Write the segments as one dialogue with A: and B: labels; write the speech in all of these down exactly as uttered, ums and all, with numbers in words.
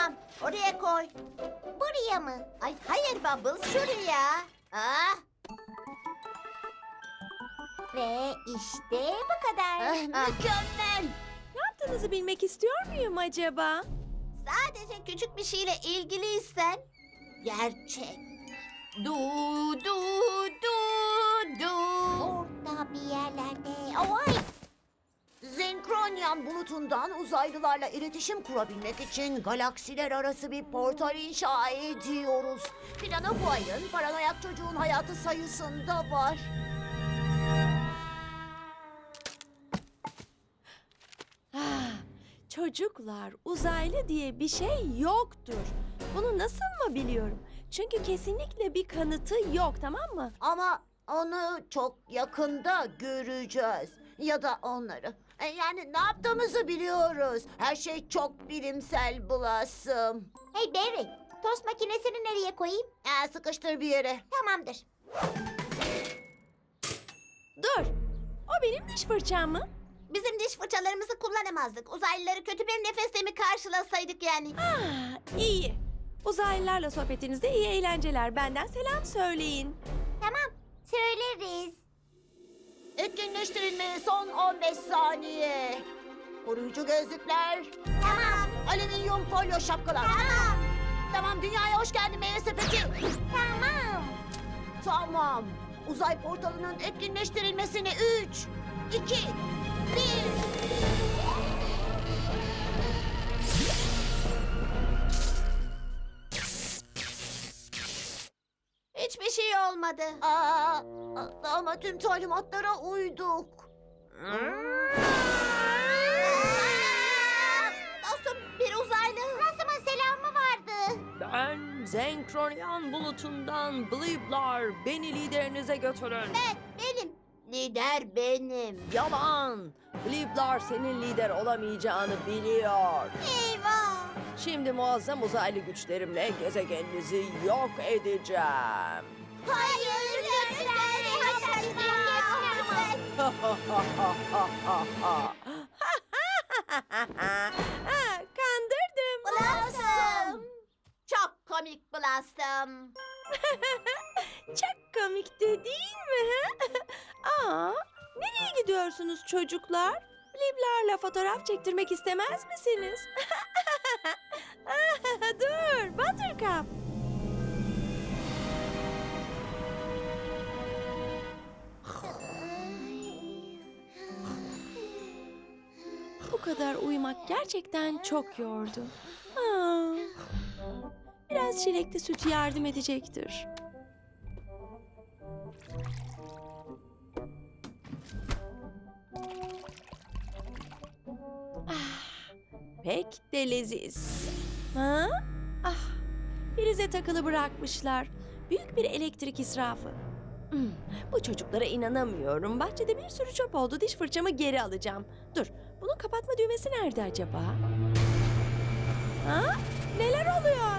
A: Tamam, oraya koy.
B: Buraya mı?
A: Ay hayır Bubbles, şuraya. Ah,
B: Ve işte bu kadar.
A: ah, mükemmel.
C: Ne yaptığınızı bilmek istiyor muyum acaba?
A: Sadece küçük bir şeyle ilgiliysen gerçek. Du du du du.
B: Orada bir yerlerde. Oy!
D: Zenkronyan bulutundan uzaylılarla iletişim kurabilmek için galaksiler arası bir portal inşa ediyoruz. Planı bu ayın paranoyak çocuğun hayatı sayısında var.
C: Ah, çocuklar, uzaylı diye bir şey yoktur. Bunu nasıl mı biliyorum? Çünkü kesinlikle bir kanıtı yok, tamam mı?
D: Ama onu çok yakında göreceğiz. Ya da onları. E, Yani ne yaptığımızı biliyoruz. Her şey çok bilimsel Blossom.
B: Hey Barry, tost makinesini nereye koyayım?
D: E, sıkıştır bir yere.
B: Tamamdır.
C: Dur, o benim diş fırçam mı?
A: Bizim diş fırçalarımızı kullanamazdık. Uzaylıları kötü bir nefesle mi karşılasaydık yani?
C: Ah, iyi. Uzaylılarla sohbetinizde iyi eğlenceler. Benden selam söyleyin.
B: Tamam, söyleriz.
D: Etkinleştirilmeye son on beş saniye. Koruyucu gözlükler.
B: Tamam,
D: Alüminyum folyo şapkalar.
B: tamam,
D: Tamam, dünyaya hoş geldin meyve sepeti.
B: tamam.
D: Tamam. Uzay portalının etkinleştirilmesini üç, iki, bir.
A: Hiçbir şey olmadı.
D: Aa, ama tüm talimatlara uyduk.
A: Dostum, bir uzaylı.
B: Rasım'ın selamı vardı.
C: Ben Zenkronyan bulutundan Bliblar. Beni liderinize götürün.
A: Evet, benim. Lider benim.
C: Yalan. Bliblar senin lider olamayacağını biliyor.
A: Eyvah.
C: Şimdi muazzam uzaylı güçlerimle gezegeninizi yok edeceğim.
A: Hayır, lütfen. Hatta bizi yok etme lütfen.
C: Ha, kandırdım.
A: Blossom. Çok komik Blossom.
C: Çok komikti değil mi? Aa, nereye gidiyorsunuz çocuklar? Bliblarla fotoğraf çektirmek istemez misiniz? Dur, Buttercup. Bu kadar uyumak gerçekten çok yordu. Aa, biraz çilekli süt yardım edecektir. Ah, pek de leziz. Ha? Ah, prize takılı bırakmışlar. Büyük bir elektrik israfı. Hmm, bu çocuklara inanamıyorum. Bahçede bir sürü çöp oldu. Diş fırçamı geri alacağım. Dur, bunun kapatma düğmesi nerede acaba? Ha? Neler oluyor?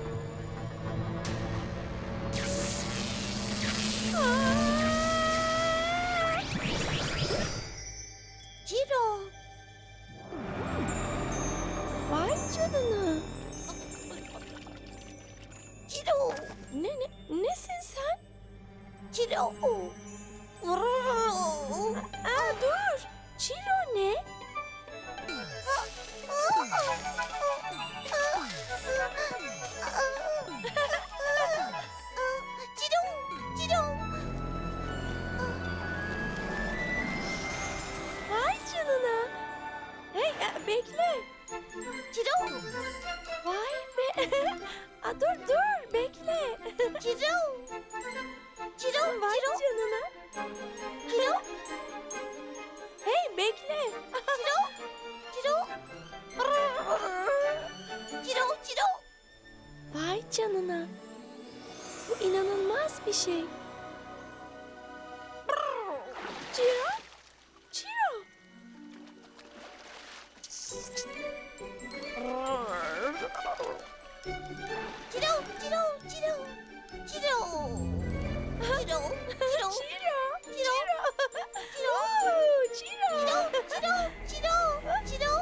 C: Aa!
A: Ciro.
C: Vay canına.
A: Ciro.
C: Ne ne nesin sen?
A: Ciro.
C: Aa, dur. Çiro ne?
A: Ciro. Ciro.
C: Vay canına. Hey, e, bekle.
A: Ciro.
C: Vay be. Aa, dur dur bekle.
A: Ciro. Ciro.
C: Vay
A: Ciro.
C: canına.
A: Ciro.
C: Hey bekle.
A: Ciro. Ciro. Ciro. Ciro.
C: Vay canına. Bu inanılmaz bir şey. Ciro. Ciro.
A: Ciro. Ciro. Ciro. Ciro. Ciro. Ciro.
C: Ciro.
A: Ciro.
C: Ciro. Oo, Ciro.
A: Ciro. Ciro. Ciro.